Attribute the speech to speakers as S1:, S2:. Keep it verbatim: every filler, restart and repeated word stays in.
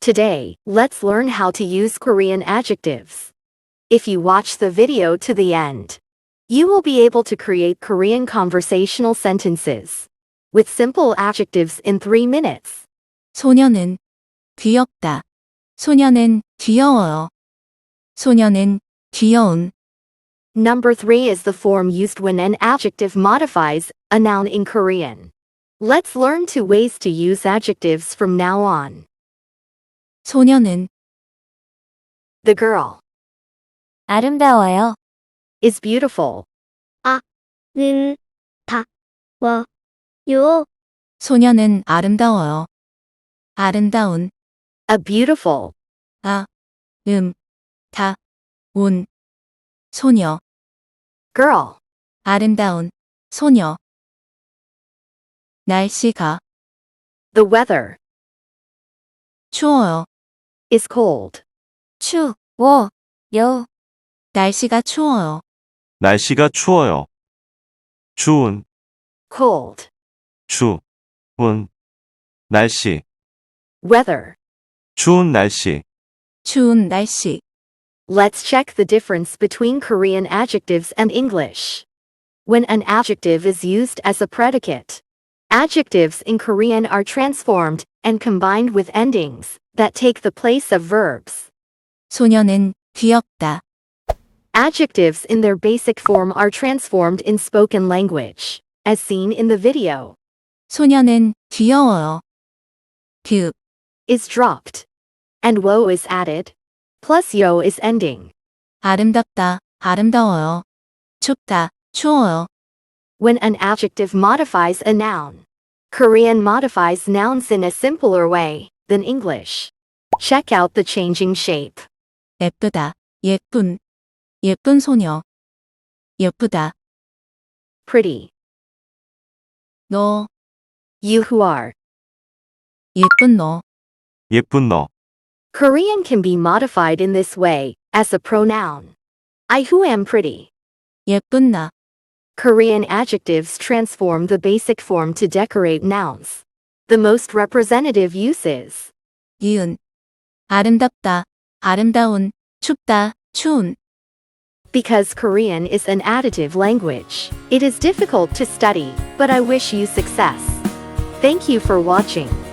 S1: Today, let's learn how to use Korean adjectives. If you watch the video to the end, you will be able to create Korean conversational sentences with simple adjectives in three minutes.
S2: 소녀는 귀엽다. 소녀는 귀여워요. 소녀는 귀여운.
S1: Number three is the form used when an adjective modifies a noun in Korean. Let's learn two ways to use adjectives from now on.
S2: 소녀는
S1: The girl
S3: 아름다워요.
S1: is beautiful.
S3: 는, 다, 워, 요.
S2: 소녀는 아름다워요. 아름다운.
S1: A beautiful
S2: 아, 음, 다, 운. 소녀.
S1: girl
S2: 아름다운. 소녀. 날씨가
S1: The weather
S2: 추워요.
S1: is cold.
S3: 추, 워, 요.
S2: 날씨가 추워요.
S4: 날씨가 추워요. 추운,
S1: Cold.
S4: 추운, 날씨,
S1: Weather.
S4: 추운 날씨.
S2: 추운 날씨.
S1: Let's check the difference between Korean adjectives and English. When an adjective is used as a predicate, adjectives in Korean are transformed and combined with endings that take the place of verbs.
S2: 소녀는 귀엽다.
S1: Adjectives in their basic form are transformed in spoken language, as seen in the video.
S2: 소녀는 귀여워요. 그,
S1: Is dropped. And wo is added. Plus yo is ending.
S2: 아름답다. 아름다워요. 춥다. 추워요.
S1: When an adjective modifies a noun, Korean modifies nouns in a simpler way than English. Check out the changing shape.
S2: 예쁘다. 예쁜. 예쁜 소녀. 예쁘다.
S1: Pretty.
S2: 너.
S1: You who are.
S2: 예쁜 너.
S4: 예쁜 너.
S1: Korean can be modified in this way, as a pronoun. I who am pretty.
S2: 예쁜 나.
S1: Korean adjectives transform the basic form to decorate nouns. The most representative use is
S2: 이은. 아름답다. 아름다운. 춥다. 추운.
S1: because Korean is an additive language. It is difficult to study, but I wish you success. Thank you for watching.